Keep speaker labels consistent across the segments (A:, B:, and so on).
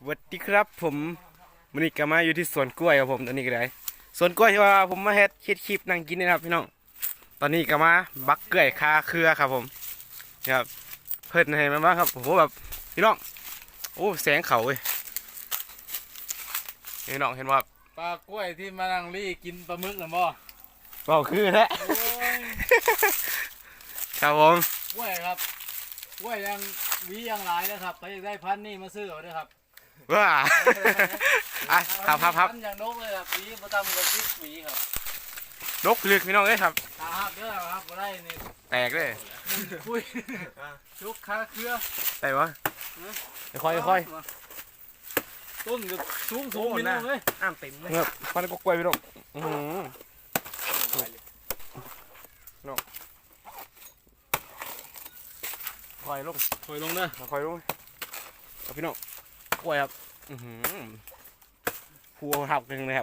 A: วัสดีครับผมวันนี้ก็มาอยู่ที่สวนกล้วยครับผมตอนนี้ก็ได้สวนกล้วยที่ว่าผมมาเฮ็ดคลิปนั่งกินนะครับพี่น้องตอนนี้ก็มาบักเกลือคาเครือครับผมครับเพิ่นให้มาบ้างครับโอ้โหแบบพี่น้องโอ้แสงเขาเว้ยพี่น้องเห็นว่า
B: ปลากล้วยที่มานั่งรี่กินปลาหมึกหรือบ่
A: เบาคือแท้
B: โอ้ย
A: ครับผม
B: กล้วยครับกล้วยยังหวียังหลายนะครับใครอยากได้พันธุ์นี่มาซื้อเอาเด้อครับ
A: ว้าอ่ะครับ
B: พันธุ์อย่างนกเลยครับหวีประจำกับซิกหวีครับ
A: นกลึกพี่น้องเอ้ยครับ
B: ตาหักเด้อครับบ่ได้นี่
A: แตกเลย
B: คุยชุกคาเครือ
A: ได้ปะค่อย
B: ต้นก็สูงพี่น้องเอ้ย
A: อ้ามเต็มเลยฟันกกล้วยพี่น้องน้องค่อยลง
B: ถอยลงเด้อ
A: ค่อยลงเอาพี่น้องกล้วยครับพัวหักหนึ่งเลยครับ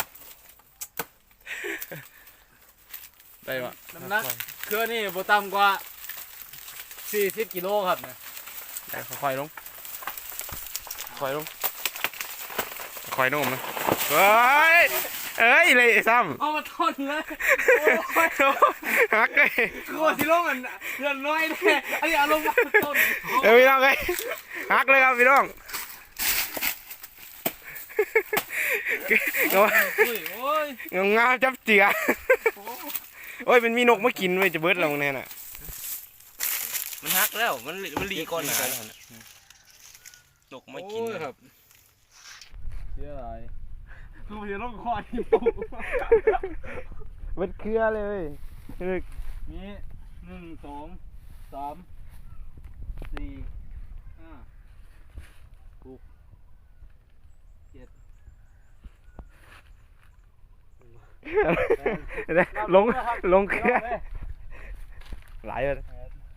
A: ได้ปะ
B: น้ำหนักเครือนี่บ่ต่ำกว่า40 กิโลครับเนี่ย
A: ได้ค่อยลงค่อยลงนะเอ้ยเลยซ้ำ
B: เอามาทนเลย
A: หักเลย
B: กลัวที่ลงมันเดือนน้อยแน่อันนี้เอาลงมาต้น
A: พี่น้องเลยหักเลยครับพี่น้อง
B: โอ้ย
A: งามจับเจือโอ้ยมันมีนกมากินไว้จะเบิดเราแน่น่ะ
C: มันฮักแล้วมันรีก่อนนะนกมากิน
B: ครับเยอะอะไรคือมันจะต้องคอที่
A: เบิดเครือเลย
B: มี1 2 3 4 5 6 7
A: ลงเครือหลายเลย
B: 8 9 10 11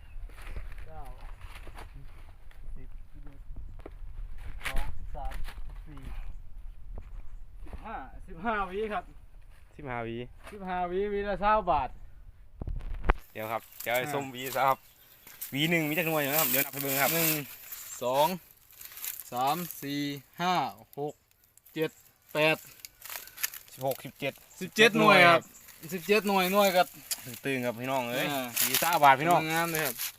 B: 12 13 14 15วิครับ
A: 15 วิ
B: 15วิละ20 บาท
A: เดี๋ยวครับเดี๋ยวไอ้ส้มวีครับวีหนึ่งมีจักหน่วยอยู่นะครับเดี๋ยวนับไปเบิ่งครับ
B: 1 2 3 4 5 6 7 8
A: 17
B: 17 หน่วยครับ17 หน่วยกับ
A: ตึงครับพี่น้องเอ้ย
B: อ่า
A: วีซ่าบาทพี่น้อง
B: งามเลยครับ